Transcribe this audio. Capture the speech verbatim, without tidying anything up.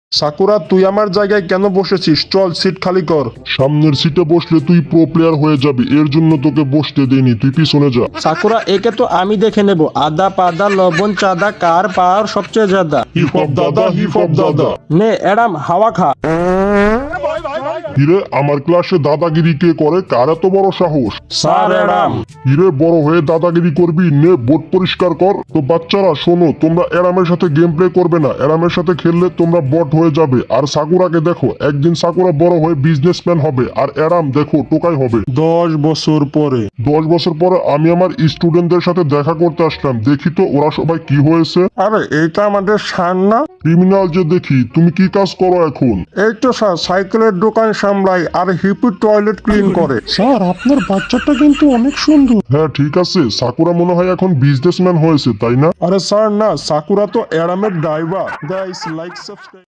Sakura, তুই আমার জায়গায় কেন বসেছিস? চল, সিট খালি কর। সামনের সিটে বসলে তুই প্রো প্লেয়ার হয়ে যাবি, এর জন্য তোকে বসতে দেইনি, তুই পিছনে যা। সাকুরা, একে তো আমি দেখে নেব। আদা পাদা লবণ চাঁদা কার পাওয়ার সবচেয়ে জাদা। হিপ হপ দাদা, হিপ হপ দাদা। নে অ্যাডাম, হাওয়া খা। হিরে, আমার ক্লাসে দাদাগিরি কে করে? কার এত বড় সাহস? Sir Adam. হিরে, বড় হয়ে দাদাগিরি করবি? নে বোর্ড পরিষ্কার কর। তো বাচ্চারা শোনো, তোমরা অ্যারামের সাথে গেম প্লে করবে না। অ্যারামের সাথে খেললে তোমরা বট হয়ে যাবে। আর সাকুরাকে দেখো, একদিন সাকুরা বড় হয়ে বিজনেসম্যান হবে, আর অ্যারাম দেখো টোকাই হবে। দশ বছর পরে। দশ বছর পরে আমি আমার স্টুডেন্টদের সাথে দেখা করতে আসলাম, দেখি তো ওরা সবাই কি হয়েছে। আরে, এইটা আমাদের সার না? ক্রিমিনাল যে দেখি, তুমি কি কাজ করো এখন? এই তো স্যার, সাইকেলের দোকান সামলাই আর হিপি টয়লেট ক্লিন করে। স্যার, আপনার বাচ্চাটা কিন্তু অনেক সুন্দর। হ্যাঁ ঠিক আছে, সাকুরা মনে হয় এখন বিজনেসম্যান হয়েছে, তাই না? আরে স্যার না, সাকুরা তো অ্যাডামের ড্রাইভার। Guys, like subscribe.